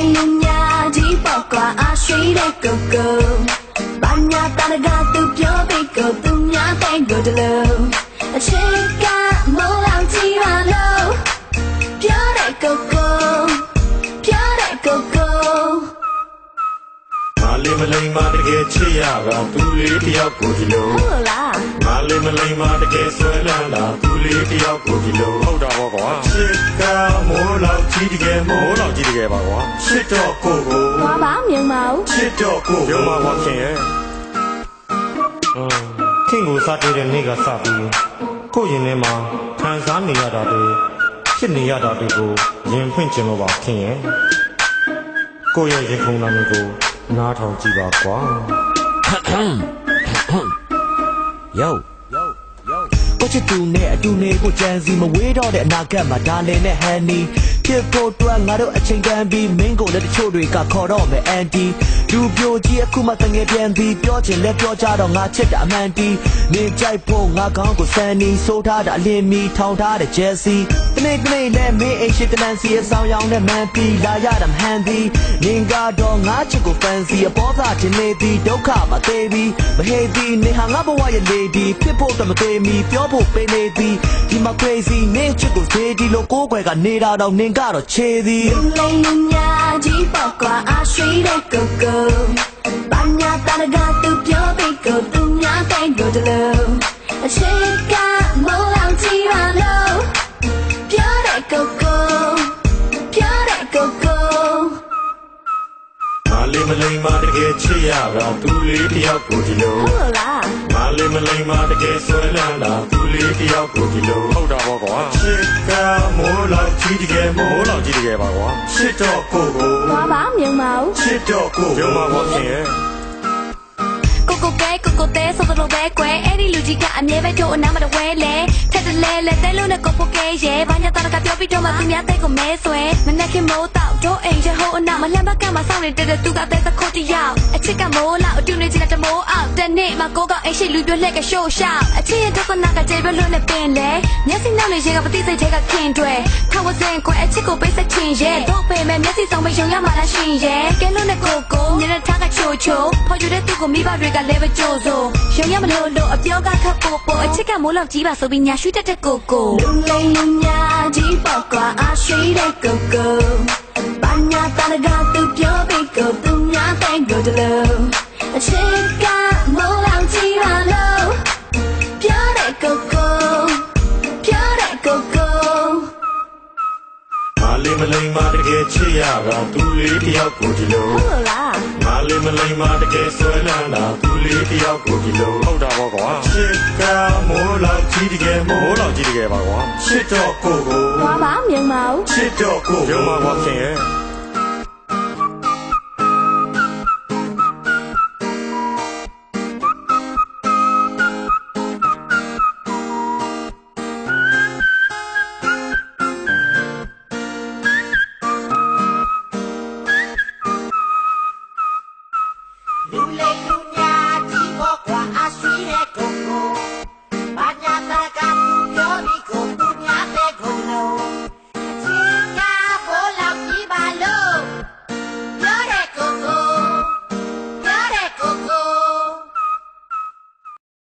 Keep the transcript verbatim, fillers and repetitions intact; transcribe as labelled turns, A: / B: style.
A: lunya di pokwa ashui de koko banya tanaga tu pyo be ko tu nya tai go de lo chika mo lao chi ma lo pyo de koko pyo de koko
B: Mali malay ma de ke chiya ga tu le tiyaw ko di lo
A: ဟုတ်လား
B: Mali malay ma de ke swai lan la tu le tiyaw ko di lo
C: ဟုတ်တာပေါ့ကွာ
B: Chika mo lao chi de ke mo
C: မိုးလောက်ကြီးတကယ်ပါကွာ
B: chit to ko ko
A: ဘာပါမြင်မအောင်
B: chit to ko
C: ရုံမှာကွာခင်ရဲ့
D: ခင်ကိုစားတွေ့တဲ့နေ့ကစပြီးကိုယ့်ရင်ထဲမှာခံစားနေရတာတွေဖြစ်နေရတာတွေကိုရင်ဖွင့်ခြင်းလို့ပါခင်ရဲ့ကိုယ့်ရဲ့ရင်ခုန်တာမျိုးကိုနားထောင်ကြည့်ပါကွာ
E: Yoကိုချစ်သူနဲ့အတူနေကိုကြံစီမဝေးတော့တဲ့အနာဂတ်မှာဒါလင်နဲ့ဟန်နီဖြစ်ဖို့အတွက်ငါတို့အချိန်တန်ပြီးမင်းကိုလည်းတချို့တွေကခေါ်တော့မယ်အန်တီလူပြိုကြီးအခုမှတငယ်ပြန်ပြီးပြောချင်လဲပြောကြတော့ငါချစ်တာအမှန်တီနေကြိုက်ဖို့ငါကောင်းကိုစန်နီဆိုးထားတာအလင်းမီထောင်ထားတဲ့ဂျယ်စီတနေ့တနေ့လဲမင်းအိမ်ရှိတလန်စီအဆောင်ရောင်နဲ့မန်ပီလာရတာမဟန်သည်နင်ကတော့ငါချစ်ကိုဖန်စီအပေါ်သားတင်နေသည်ဒုက္ခမသေးပြီးမဟေးသည်နေဟာငါဘဝရဲ့လေဒီဖြစ်ဖို့တမသေးမီပြောဖို့ပေးနေသည်ဒီမှာ crazy နင်ချစ်ကိုသေးဒီလိုကိုယ်ွယ်ကနေတာတော့နင်ကတော့ချေသည်
A: lunya di pokwa ashui de koko banya tanaga tu pyo be ko tu nya tai go de lo chika mo lao chi ma lo pyo de koko pyo de koko
B: Mali malay ma de ke chiya ga tu le tiyaw ko di lo
A: ဟုတ်လား
B: Mali malay ma de ke swai lan la tu le tiyaw ko di lo
C: ဟုတ်တာပေါ့ကွာ
B: Chika mo lao chi de ke mo
C: မိုးလောက်ကြီးတကယ်ပါကွာ
B: chit to ko ko
A: ဘာပါမြင်မအောင်
B: chit to ko
C: ရုံမှာကွာခင်ရဲ့
A: ကိုကိုကဲကိုကိုတဲဆိုတော့ပဲကွယ်အဲ့ဒီလူကြီးကအမြဲပဲတို့အနားမတဝဲလဲထက်တလဲလဲတဲလို့နဲ့ကိုပိုကဲရဲ့ဘာညာတရကပြောပြီးတော့မှသူများတဲ့ကိုမဲဆွဲမနဲ့ခင်မိုးတော့တို့အိမ်ရဲ့ဟိုအနားမလှမ်းဘက်ကမှစောင့်နေတဲ့သူကတဲ့သခုတ်တယောက်အချစ်ကမိုးလောက်အတူနေချင်တဲ့မိုးအောင်တနေ့မှကိုကအိမ်ရှိလူပြလှက်ကရှို့ရှောက်အချစ်ရဲ့ဒုက္ခနာကကျေပြလွတ်နဲ့ပင်လဲမျက်စိနောက်နေရင်ကပတိစိတ်ထဲကခင်တွဲခါဝစင်ကွယ်အချစ်ကိုပိတ်ဆက်ချင်ရဲ့တို့ပေမဲ့မျက်စိဆောင်မယုံရမှလားရှင်ရဲ့ကဲလို့နဲ့ကိုကိုညနေထားကချိုချိုဖော်ယူတဲ့သူကိုမိဘတွေကလည်းပဲကြိုးစို့ရုံရမလို့လို့အပြောကခပ်ပို့ပို့အချစ်ကမိုးလောက်ကြီးပါဆိုပြီးညာရွှေတက်တဲ့ကိုကိုလူလိမ်လူညာဒီပေါ့ကွာအရွှေတဲ့ကိုကိုဘာညာတနကသူပြောပြီးကိုသူညာတိုင်းကိုတလို့အချစ်ကမိုးလောက်ကြီးပါလို့ပြောတဲ့ကိုကိုပြောတဲ့ကိုကို
B: Mali malay ma de ke chiya ga tu le tiyaw ko di lo
A: ဟုတ်လား
B: Mali malay ma de ke swai lan la tu le tiyaw ko di lo
C: ဟုတ်တာပေါ့ကွာ
B: Chika mo lao chi de ke mo
C: မိုးလောက်ကြီးတကယ်ပါကွာ
B: chit to ko ko
A: ဘာပါမြင်မအောင်
B: chit to ko
C: ရုံမှာကွာခင်ရဲ့